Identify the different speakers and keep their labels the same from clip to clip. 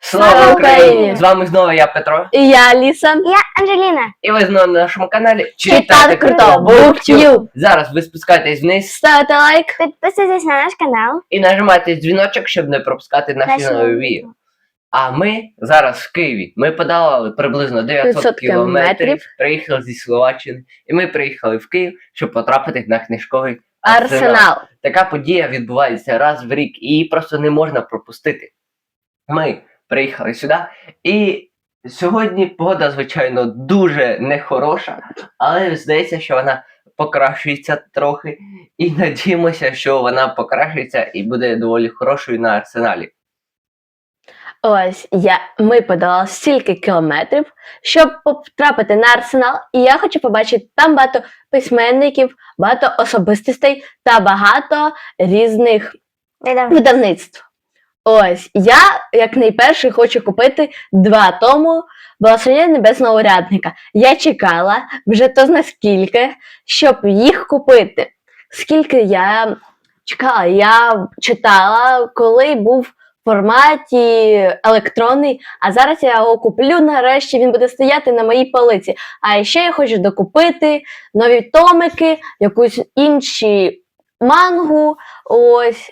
Speaker 1: Слава Україні!
Speaker 2: З вами знову я, Петро.
Speaker 1: І я Аліса.
Speaker 3: Я Анжеліна.
Speaker 2: І ви знову на нашому каналі
Speaker 1: Читати круто! BookTube!
Speaker 2: Зараз ви спускаєтесь вниз
Speaker 1: Ставте лайк.
Speaker 3: Підписуйтесь на наш канал.
Speaker 2: і нажимайте дзвіночок, щоб не пропускати наші
Speaker 3: Наші
Speaker 2: нові
Speaker 3: нові
Speaker 2: відео. А ми зараз в Києві. Ми подолали приблизно 900
Speaker 1: 500
Speaker 2: кілометрів, приїхали зі Словаччини. І ми приїхали в Київ, щоб потрапити на книжковий
Speaker 1: Арсенал.
Speaker 2: Така подія відбувається раз в рік, і її просто не можна пропустити. Ми приїхали сюди, і сьогодні погода, звичайно, дуже нехороша, але здається, що вона покращується трохи, і надіємося, що вона покращиться і буде доволі хорошою на Арсеналі.
Speaker 1: Ось, ми подолали стільки кілометрів, щоб потрапити на Арсенал, і я хочу побачити там багато письменників, багато особистостей та багато різних видавництв. Ось, я, як найперший, хочу купити 2 тому «Благословення небесного урядника». Я чекала вже то зна скільки, щоб їх купити. Скільки я чекала, я читала, коли був в форматі електронний, а зараз я його куплю нарешті, він буде стояти на моїй полиці. А ще я хочу докупити нові томики, якусь інші мангу, ось.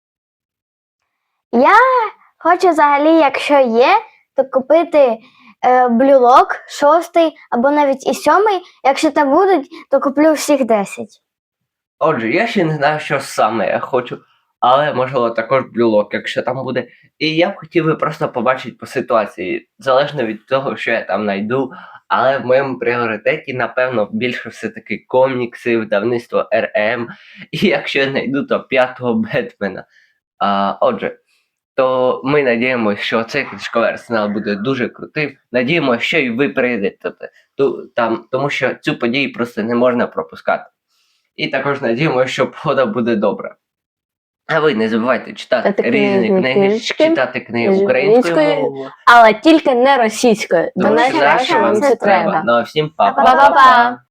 Speaker 3: Я хочу взагалі, якщо є, то купити Blue Lock 6 або навіть і 7. Якщо там будуть, то куплю всіх 10.
Speaker 2: Отже, я ще не знаю, що саме я хочу, але можливо також блюлок, якщо там буде. І я б хотів би просто побачити по ситуації, залежно від того, що я там знайду. Але в моєму пріоритеті, напевно, більше все-таки комікси, видавництво РМ. І якщо я знайду, то 5-го Бетмена. Отже, то ми надіємося, що цей книжковий арсенал буде дуже крутим. Надіємося, що і ви прийдете там, тому що цю подію просто не можна пропускати. І також надіємося, що погода буде добра. А ви не забувайте читати різні книги, читати книги українською мовою.
Speaker 1: Але тільки не російською, бо
Speaker 2: Тому що
Speaker 1: нащо вам це треба.
Speaker 2: Ну а всім па-па.
Speaker 1: Па-па-па!